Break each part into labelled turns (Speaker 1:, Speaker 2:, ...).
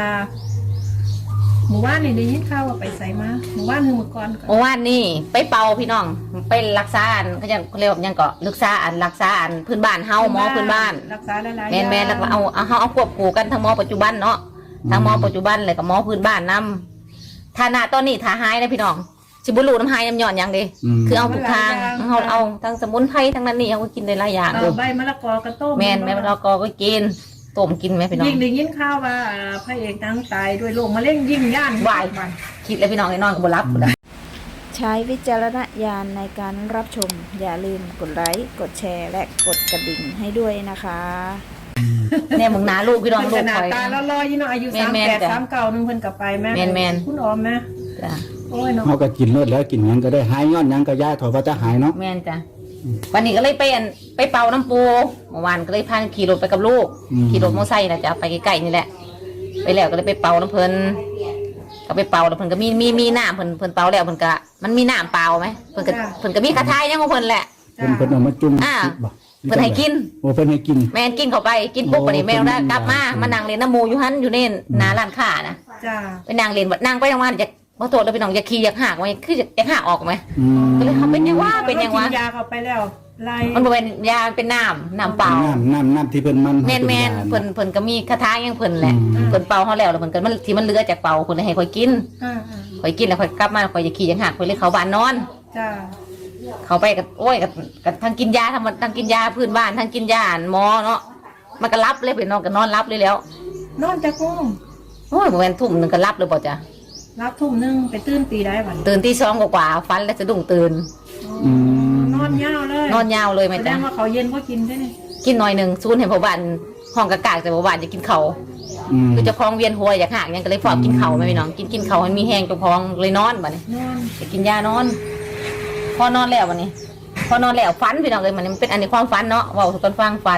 Speaker 1: หมู่บ้านนี่ได้ยินข่าวว่าไปใส่มาหมู่บ้านหนึ่งก่อน
Speaker 2: เมื่อวานนี่ไปเป่าพี่น้องไปรักษาอันเขาจะเรียกว่ายังก็รักษาอันพื้นบ้านเฮาหมอพื้นบ้าน
Speaker 1: รักษาหลายๆ
Speaker 2: แม่นแล้วก็เอาควบคู่กันทั้งหมอปัจจุบันเนาะทั้งหมอปัจจุบันเลยกับหมอพื้นบ้านนำฐานะตอนนี้ถ้าหายนะพี่น้องสิบุรุษน้ำหายน้ำหย่อนอย่างดีคือเอาทุกทางเอาทั้งสมุนไพรทั้งนั้นนี่เขาก็กินได้หลายอย่าง
Speaker 1: ใบมะละกอกระต้ม
Speaker 2: แม่นใบมะละกอก็กินต้มกินไหมพี่น้อง
Speaker 1: ยิ่งได้ยินข่าวว่าพระเอกนางตายด้วยโรคมะเร็งยิ่งย่าน
Speaker 2: วายคิดเลยพี่น้องไอ้นอนก็บ่รับ
Speaker 3: ใช้วิจารณญาณในการรับชมอย่าลืมกดไลค์กดแชร์และกดกระดิ่งให้ด้วยนะคะ
Speaker 2: เนี่ยมึงนาลูกพี่น้องลูก
Speaker 1: คอยตาลอยๆยี่น้องอายุ38 39นึงเพิ่นกลับไปแม่คุณออมแม่
Speaker 2: จ้ะ
Speaker 1: โอ้ยเนาะ
Speaker 4: เขาก็กินเลือดแล้วกินยังก็ได้หายย้อนยังก็ย่าถอยว่าจะหายเนาะ
Speaker 2: แม่นจ้ะวันนี้ก็เลยไปเป่าน้ำปูเมื่อวานก็เลยพาขี่รถไปกับลูกขี่รถมอเตอร์ไซค์นะจ๊ะไปใกล้ๆนี่แหละไปแล้วก็เลยไปเป่าน้ำเพลินก็ไปเป่าแล้วเพลินก็มีน้ำเพลินเป่าแล้วเพลินก็มันมีน้ำเปล่าไหมเพลินก็มีกระทายยังของเพลินแหละ
Speaker 4: เพลินเอามาจุ่ม
Speaker 2: เพิ่นให้กิน
Speaker 4: โอ้เพิ่นให้กิน
Speaker 2: แม่กินเข้าไปกินปุ๊บวันนี้แม่ได้กลับมานั่งเล่นน้ำมูอยู่หันอยู่เน่นหน้าร้านค้านะไปนั่งเล่นนั่งไปทั้งวันจะพอโทษแล้วพี่น้องอยากขี้อยากหักไหมคืออยากหักออกไหมก็เลยเขาเป็นยังว่าเป็นยังว่า
Speaker 1: กินยาเข้าไปแล้ว
Speaker 2: มันเป็นยาเป็นน้ำเปล่า
Speaker 4: น้ำที่เพิ่นมัน
Speaker 2: แม่นเพิ่นก็มีคาถายังเพิ่นแหละเพิ่นเป่าเขาแล้วเพิ่นก็มันที่มันเหลือจากเป่าเพิ่นให้ค่อยกินแล้วค่อยกลับมาค่อยอยากขี้อยากหักค่อยเลยเขาบ้านนอนเขาไปกับโอ้ยกับทั้งกินยาทั้งกินยาพื้นบ้านทั้งกินยาหมอเนาะมันก็รับเลยไปนอนก็นอนรับเลยแล้ว
Speaker 1: นอนแต่กุ้ง
Speaker 2: โอ้ยประมาณทุ่มนึงก็รับเลยป่ะจ๊ะ
Speaker 1: รับทุ่มนึงไปตื่นตีได้วัน
Speaker 2: ตื่นตี2กว่าฟันแล้วจะดุ้งตื่น
Speaker 1: นอนยาว
Speaker 2: เลยไหมจ๊ะ
Speaker 1: แสดงว่าเขาเย็นก็กินได้
Speaker 2: กินหน่อยหนึ่งซูนเห็นพ่อบ้านห้องกะกากแต่พ่อบ้านจะกินเขาคือจะพองเวียนหัวอยากหักยังก็เลยฟอกกินเขาไหมพี่น้องกินเขามันมีแห้งจะพองเลยนอนบ่เนี่ยจะกินยานอนพอนอนแล้ววันนี้พอนอนแล้วฝันพี่น้องเลยมันเป็นอันนี้ความฝันเนาะว่าทุกคนฟังฝัน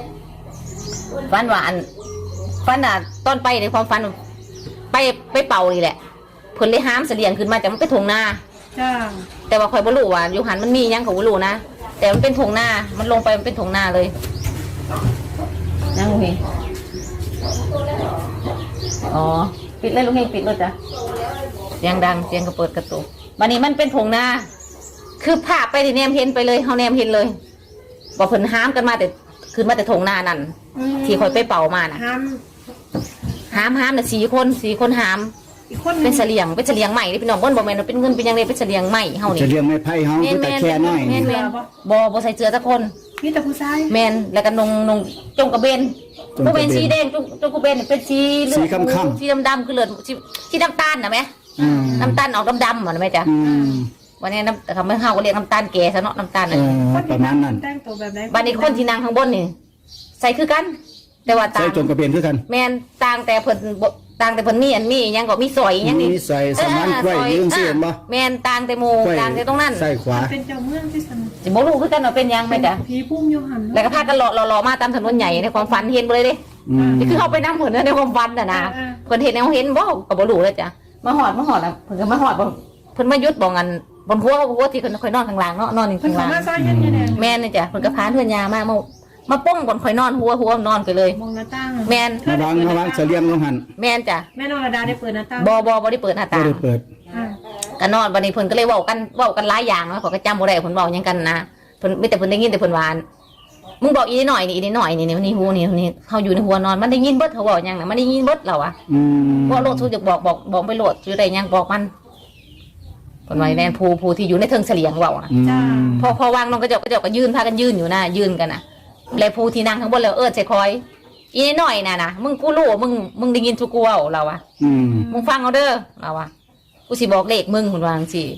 Speaker 2: ว่าฝันตอนไปในความฝันไปเป่านี่แหละเพิ่นเลยห้ามเสลียงขึ้นมาจากมันเป็นทงนาแต่ว่าคอยบรู้ว่าอยู่หันมันมียังของบรู้นะแต่มันเป็นทงนามันลงไปมันเป็นทงนาเลยนั่งลุงเฮงอ๋อปิดเลยลุงเฮงปิดเลยจ้ะเสียงดังเสียงกระเปิดกระตุกวันนี้มันเป็นทงนาคือภาพไปที่แนมเห็นไปเลยเขาแนมเห็นเลยบอกเพิ่นห้ามกันมาแต่ขึ้นมาแต่ทงนานั่นที่คอยไปเป่ามานะห้ามน่ะ4 คนห้ามเป็นเสลียงใหม่ที่พี่น้องบ่แม่นเป็นเงินเป็นยังไงเป็นเสลียงใหม่เฮานี่
Speaker 4: เสลียงไม้ไผ่เฮาแต่แค่น้อย
Speaker 2: แม่นบ่ใส่เสื้อสักคน
Speaker 1: มีแต่ผู้ชาย
Speaker 2: แม่นแล้วก็นงจงกระเบนผู้เป็นสีแดงจงกระเบนเป็นสีเหลืองสีดำคือเลือดสีน้ำตาลน่ะแม่น้ำตาลออกดำๆอ่ะแม่จ๊ะวันนี้แต่เขาไม่เฮาก็เรียกน้ำตาลแก่ซะเนาะน้ำตาลน่ะ
Speaker 4: ประมาณนั้น
Speaker 2: บัดนี้คนที่นั่งข้างบนนี่ใส่คือกันแต่ว่าต่าง
Speaker 4: ใส่จงกระเบนคือกัน
Speaker 2: แม่นต่างแต่เพิ่นมีอันมียังก็มีสอยยังนี่
Speaker 4: มีใส่สมานกล้วยยืงเสียนบ่
Speaker 2: แม่นต่างแต่หมู่ต่างแต่ตรงนั้น
Speaker 4: ใส่ขวา
Speaker 1: เป็นเจ้าเมืองที่สนุก
Speaker 2: สิบ่รู้คือกันว่าเป็นยังแม่จ๊ะ
Speaker 1: ผีพุ่มโยหัน
Speaker 2: แล้วก็พากันหล่อมาตามถนนใหญ่ในความฝันเห็นบ่เลยเด้นี่คือเขาไปนั่งเพิ่นในความฝันน่ะนะเพิ่นเห็นแล้วเห็นบ่ก็บ่รู้เลยจ้ะมาฮอดอ่ะเพิ่นก็มาฮอดบ่เพิ่นมายุดบ่งันบนหัวที่เพิ่นค่อยนอนข้างล่างเนาะนอนอยู่ข้างล่างแม่นนี่จ้ะเพิ่นก็พาเฮือนยามาป้องบนข่อยนอนหัวนอนไปเลย
Speaker 1: มองหน้าต่าง
Speaker 2: แม่น
Speaker 4: ระวังเสลียงลงหัน
Speaker 2: แม่นจ้ะ
Speaker 1: แม่นรดาได้เปิดหน้าต่าง
Speaker 2: บ่ได้เปิดหน้าต่าง
Speaker 4: บ่ได้เปิด
Speaker 2: ก็นอนบัดนี้เพิ่นก็เลยเว้ากันหลายอย่างเนาะเขาก็จำบ่ได้เพิ่นเว้าหยังกันนะเพิ่นมีแต่เพิ่นได้ยินแต่เพิ่นว่ามึงบอกอีนิดหน่อยนี่หูนี่เฮาอยู่ในหัวนอนมันได้ยินเบิดเขาเว้าหยังน่ะมันได้ยินเบิดเราอ่ะบ่โลดทุกจะบอกไปโลดอยู่ได้หยังบอกมันเพิ่นว่าแม่นผู้ที่อยู่ในเทิงเสลียงเว้าอ่ะพอวางน้องก็เจ้าก็ยืนพากันยืนอยู่นะยืนกันน่ะแล้วผู้ที่นั่งข้างบนแล้วใส่คอยอีนิดหน่อยน่ะนะมึงกูรู้มึงได้ยินทุกกูเว้าเราอ่ะมึงฟังเอาเด้อเราอ่ะกูสิบอกเลขมึงคุณวาจังซี่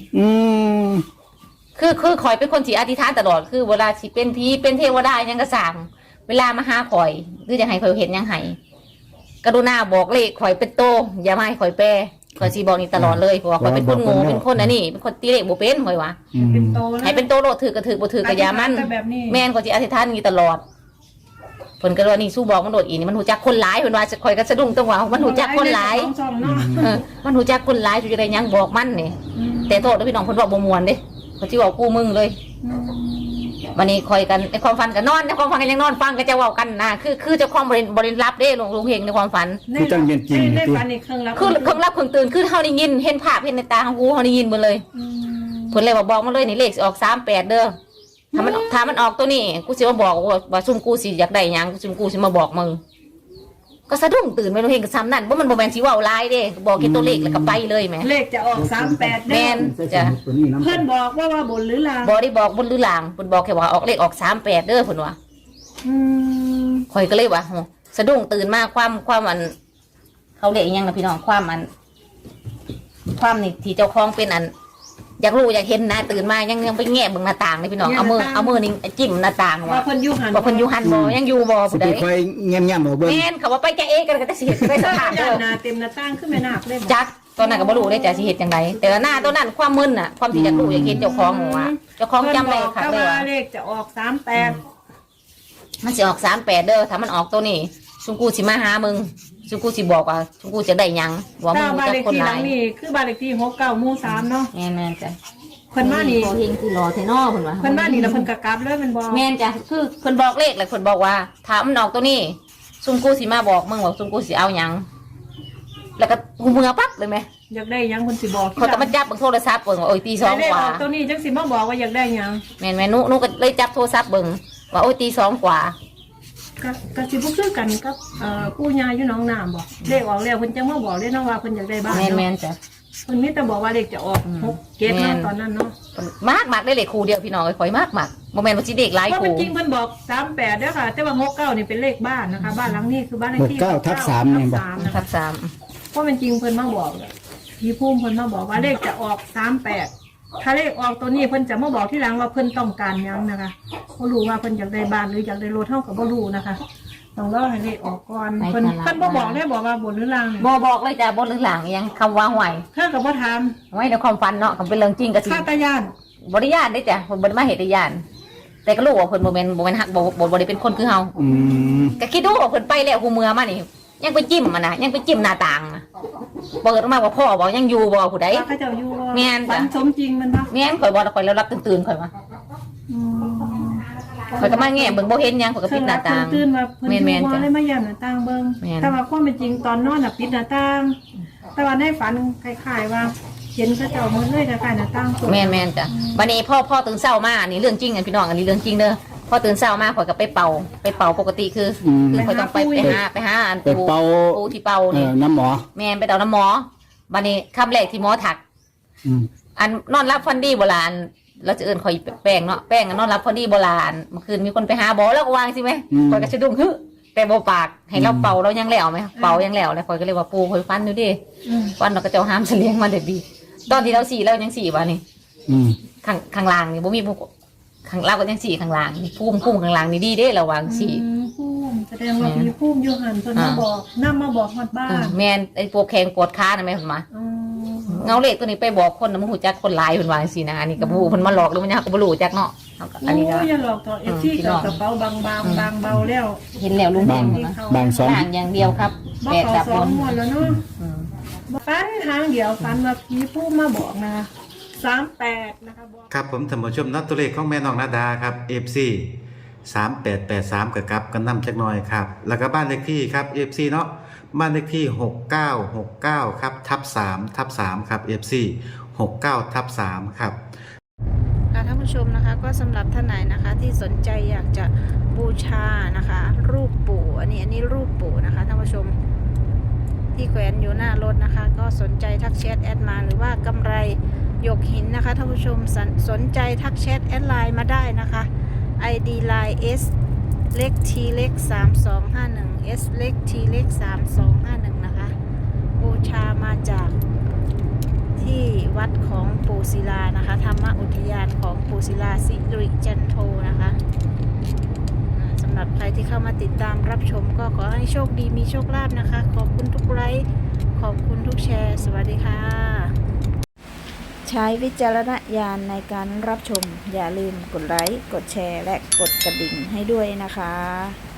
Speaker 2: คือข่อยเป็นคนที่อธิษฐานตลอดคือเวลาสิเป็นผีเป็นเทวดายังก็สั่งเวลามาหาข่อยคือจะให้ข่อยเห็นยังไงกรุณาบอกเลขข่อยเป็นโตอย่ามาให้ข่อยแปรข่อยสิบอกนี่ตลอดเลยเพราะว่าข่อยเป็นคนโง่เป็นคนอันนี้เป็นคนตีเลขบ่เป็นข่อยว่าให้เป็นโตโลดถือก็ถือบ่ถือก็อย่ามันแม่นข่อยสิอธิษฐานนี่ตลอดเพิ่นก็ว่านี่สู้บอกมันโดดอีนี่มันหูจักคนหลายเพิ่นว่าข่อยก็สะดุ้งจังว่ามันหูจักคนหลายมันหูจักคนหลายสิได้ยังบอกมันนี่แต่โทษพี่น้องเพิ่นว่าบ่ม่วนเด้เขาที่บอกกูมึงเลยวันนี้คอยกันในความฝันกันนอนในความฝันกันยังนอนฟังก็จะเว้ากันนะคือเจ้าของบริรับเด้ลุงเฮงในความฝัน
Speaker 4: คือจังเป็นจริง
Speaker 1: ใน
Speaker 4: ติ
Speaker 1: ฝันนี่เครื่องรับ
Speaker 2: คือเครื่องรับเครื่องตื่นคือเฮาได้ยินเห็นภาพเห็นในตาของกูเฮาได้ยินหมดเลยเพิ่นเลยบอกมาเลยนี่เลขสิออก38เด้อถ้ามันออกตัวนี้กูสิมาบอกว่าซุ่มกูสิอยากได้หยังซุ่มกูสิมาบอกมึงก็สะดุ้งตื่นไปลุงเฮงก็ซ้ำนั่นบ่มันบ่แม่นสิเว้าหลายเด้บอกแค่ตัวเลขแล้วก็ไปเลยแหม
Speaker 1: เลขจะออก38
Speaker 2: แม่นจ้ะ
Speaker 4: ตัวนี้นำ
Speaker 1: เพิ่นบอกว่าบนหรือล่าง
Speaker 2: บ่ได้บอกบนหรือหลังเพิ่นบอกแค่ว่าออกเลขออก38เด้อเพิ่นว่า ข่อยก็เลยว่าโหสะดุ้งตื่นมาความอันเขาเรียกอีหยังนะพี่น้องความนี่ที่เจ้าของเป็นอันอยากรู้อยากเห็นนะตื่นมายังไปแง่เบิ่งหน้าต่างเลยพี่น้องเอามือนี่จิ้มหน้าต่าง
Speaker 1: ว่าเพิ่นอยู่หัน
Speaker 2: ว่าเพิ่นอยู่หันบ่ยังอยู่บ่
Speaker 4: สิ
Speaker 2: ผู้
Speaker 4: ไป
Speaker 2: ใด
Speaker 4: คอยแง้มๆเอาเบิ่ง
Speaker 2: แม่นเขาว่าไปจะเองกันก็จะสิเฮ็ดไปสถาน
Speaker 1: ห
Speaker 2: เด้อ
Speaker 1: น้าเต็มหน้าต่างขึ้นแม่นาคเลย
Speaker 2: จักตอนนั้นก็บ่รู้ได้จะสิเฮ็ดจังไดแต่ว่าหน้าตัวนั้นความมึนน่ะความที่อยากรู้อยากเห็นเจ้าของว่าเจ้าของจำได้ค่ะเลย
Speaker 1: ว่า
Speaker 2: ว่า
Speaker 1: เลขจะออก38
Speaker 2: มันสิออก38เด้อถ้ามันออกตัวนี้ซุกูสิมาหามึงซุกูสิบอกว่าซุกูจะได้หยังว่ามึ
Speaker 1: ถ้าง บ้าน
Speaker 2: จะ
Speaker 1: เลข
Speaker 2: คน
Speaker 1: ที่
Speaker 2: ห
Speaker 1: หลั
Speaker 2: ลาง ย
Speaker 1: นี่คือบ้านเลขที่69หมู่3เนาะ
Speaker 2: แม่นจ้ะ
Speaker 1: เพิ่นมานี่
Speaker 2: โเฮงคือรอเทนอเพิ่นว่า
Speaker 1: เพิ่นมานี่แล้วเพิ่นก็กลับเลยมันบอก
Speaker 2: แม่นจ้ะคือเพิ่นบอกเลขแล้วเพิ่นบอกว่าถ้ามันออกตัวนี้ซุกูสิมาบอกมึงว่าซุกูสิเอาหยังแล้วก็หูมือปั๊บเลยไหม
Speaker 1: อยากได้หยังเพิ่นสิบอก
Speaker 2: เขาก็มาจับเบิ่งโทรศัพท์เบิ่งว่าโอ้ยตีสอง
Speaker 1: เลข
Speaker 2: ก
Speaker 1: อ
Speaker 2: ว่า
Speaker 1: อกตัวนี้จังสิมาบอกว่าอยากได้หยัง
Speaker 2: แม่นหนูก็เลยจับโทรศัพท์เบิ่งว่าโอ้ยตีสองกว่า
Speaker 1: ก็สิบ่คือกันกับปู่ย่าอยู่หนองน้ำบ่เลขออกแล้วเพิ่นจังมาบอกเลยเนาะว่าเพิ่นอยากได้บ้าน
Speaker 2: แม่นจ้ะ
Speaker 1: เพิ่นมีแต่บอกว่าเลขจะออก6เกตเนาะตอนนั้นเนาะ
Speaker 2: มากได้เลขคู่เดียวพี่น้องข่อยมากบ่แม่นว่าสิเด็กหลาย
Speaker 1: เพราะ
Speaker 2: คู่
Speaker 1: เป็นจริงเพิ่นบอก38เด้อค่ะ แต่ว่า69นี่เป็นเลขบ้านนะคะ บ้านหลังนี้คือบ้านเลขที่
Speaker 4: 69/3นี่บ่
Speaker 1: 69นะคะ
Speaker 2: ทับสาม
Speaker 1: เพราะเป็นจริงเพิ่นมาบอกพี่ภูมิเพิ่นมาบอกว่าเลขจะออก38ถ้าเลขออกตัวนี้เพิ่นจะมาบอกที่หลังว่าเพิ่นต้องการหยังนะคะบ่รู้ว่าเพิ่นอยากได้บ้านหรืออยากได้รถเฮาก็บ่รู้นะคะต้องรอให้เลขออกก่อนเพิ่นบ่บอกได้บอกว่าบนหรือล่างเนี่ย
Speaker 2: บ่บอกเลยจ้ะบนหรือหลังยังคำว่าห่วย
Speaker 1: เธอก็บ่ถาม
Speaker 2: ไว้ในความฝันเนาะคำเป็นเรื่องจริงก็สิ
Speaker 1: ข้าตายาน
Speaker 2: บริญาณได้จ้ะเพิ่นบ่ได้มาเฮ็ดได้ญาณแต่ก็รู้ว่าเพิ่นบ่แม่นฮักบ่ได้เป็นคนคือเฮา
Speaker 4: อืม
Speaker 2: ก็คิดดูว่าเพิ่นไปแล้วหูเมือมานี่ยังไปจิ้มมันน่ะยังไปจิ้มหน้าต่างน่ะเปิดออกมาว่าพ่อบอกยังอยู่บ่ผู้ใด
Speaker 1: ว่าเขาเจ้าอยู่บ่
Speaker 2: แม่นจ้ะ
Speaker 1: ฝันสมจริงมันบ่
Speaker 2: แม่นข่อยบ่แล้วข่อยแล้วรับตื่นๆข่อยว่าข่อยก็มาแง่เบิ่งบ่เห็นหยังข่อยก็ปิดหน้าต่าง
Speaker 1: ตื่นมาเพิ่น
Speaker 2: แม่
Speaker 1: อยู่
Speaker 2: นๆ
Speaker 1: บ่
Speaker 2: จ้ะ
Speaker 1: เลยมาย่านหน้าต่างเบิ่ง
Speaker 2: แม่น
Speaker 1: แต่ว่าความเป็นจริงตอนนอนน่ะปิดหน้าต่าง แต่ว่าในฝันคล้ายๆว่าเห็นเขาเจ้ามือเลยคล้ายๆหน้าต่างเปิด
Speaker 2: แม่นจ้ะวันนี้พ่อตื่นเช้ามานี่เรื่องจริงอันพี่น้องอันนี้เรื่องจริงเด้อพอตื่นเช้ามาข่อยก็ไปเป่าปกติคือข่อยต้องไปหาอัน
Speaker 4: ไปเป่า
Speaker 2: ปูที่เป่านี่
Speaker 4: น้ำหมอ
Speaker 2: แม่นไปเป่าน้ำหมอวันนี้คำแรกที่หมอถัก
Speaker 4: อืม
Speaker 2: อันนอนรับฟันดีโบราณเราจะเอิ้นข่อยแป้งเนาะแป้งอันนอนรับฟันดีโบราณเมื่อคืนมีคนไปหาบอแล้วก็วางสิไหมข่อยก็สะดุ้งฮึแต่โบปากให้เราเป่าเรายังแล้วไหมเป่ายังแล้วเลยข่อยก็เลยว่าปูข่อยฟันดูดิ
Speaker 1: อืม
Speaker 2: ฟันเราก็จะห้ามเฉลียงมาเด็ดดีตอนที่เราสี่เรายังสี่วะนี่
Speaker 4: อืม
Speaker 2: ข้างล่างนี่บ่มีพวกข้างเราก็ยังสี่ข้างล่างนี่พุ่มข้างล่างนี่ดีเด้ระวังสี่
Speaker 1: ภูมิแสดงว่ามีภูมิอยู่หันเพิ่นมาบอกนำมาบอกฮอดบ้าน
Speaker 2: แม่นไอ้ปวดแข้งปวดขาน่ะแม่เพิ่นมา
Speaker 1: อืม
Speaker 2: เงาเล็กตัวนี้ไปบอกคนน่ะมันหูจักคนหลายเพิ่นว่าจังซี่นะอันนี้ก็บ่ฮู้เพิ่นมาหลอกหรือมันยังก็บ่รู้จักเนาะเอาก็อันนี้ก็
Speaker 1: โอ้ยอย่าหลอกต่อ FC กับกระเป๋าบางเบาแล้ว
Speaker 2: เห็นแล้วลุง
Speaker 4: บาง
Speaker 2: เห็นนะ
Speaker 4: บางสอง
Speaker 2: ล่างอย่างเดียวครับ
Speaker 1: บ่
Speaker 2: แปด
Speaker 1: เข้า
Speaker 2: ดับ
Speaker 1: ส
Speaker 2: บ
Speaker 1: อง
Speaker 2: น
Speaker 1: งวดแล้วเนาะ
Speaker 2: อืม
Speaker 1: ฝันทางเดียวฝันว่าผีผู้มาบอกนะ38นะคะบอก
Speaker 5: ครับผมท่านผู้ชมนัดตัวเลขของแม่น้องนาดาครับ FC 3883กับกับกันนำจักหน่อยครับแล้วก็บ้านเลขที่ครับ FC เนาะบ้านเลขที่6969ครับ/3/3ครับ FC 69/3ครับ
Speaker 3: ค่ะท่านผู้ชมนะคะก็สำหรับท่านไหนนะคะที่สนใจอยากจะบูชานะคะ รูปปู่อันนี้รูปปู่นะคะท่านผู้ชมที่แขวนอยู่หน้ารถนะคะ ก็สนใจทักแชทแอดมาหรือว่ากำไรหยกหินนะคะท่านผู้ชมสนใจทักแชทแอดไลน์มาได้นะคะ ID line S เล็ก T เล็ก3251 S เล็ก T เล็ก3251นะคะบูชามาจากที่วัดของปู่ศิลานะคะธรรมอุทยานของปู่ศิลาสิริจันโทนะคะสำหรับใครที่เข้ามาติดตามรับชมก็ขอให้โชคดีมีโชคลาภนะคะขอบคุณทุกไลค์ขอบคุณทุกแชร์สวัสดีค่ะ ใช้วิจารณญาณในการรับชมอย่าลืมกดไลค์กดแชร์และกดกระดิ่งให้ด้วยนะคะ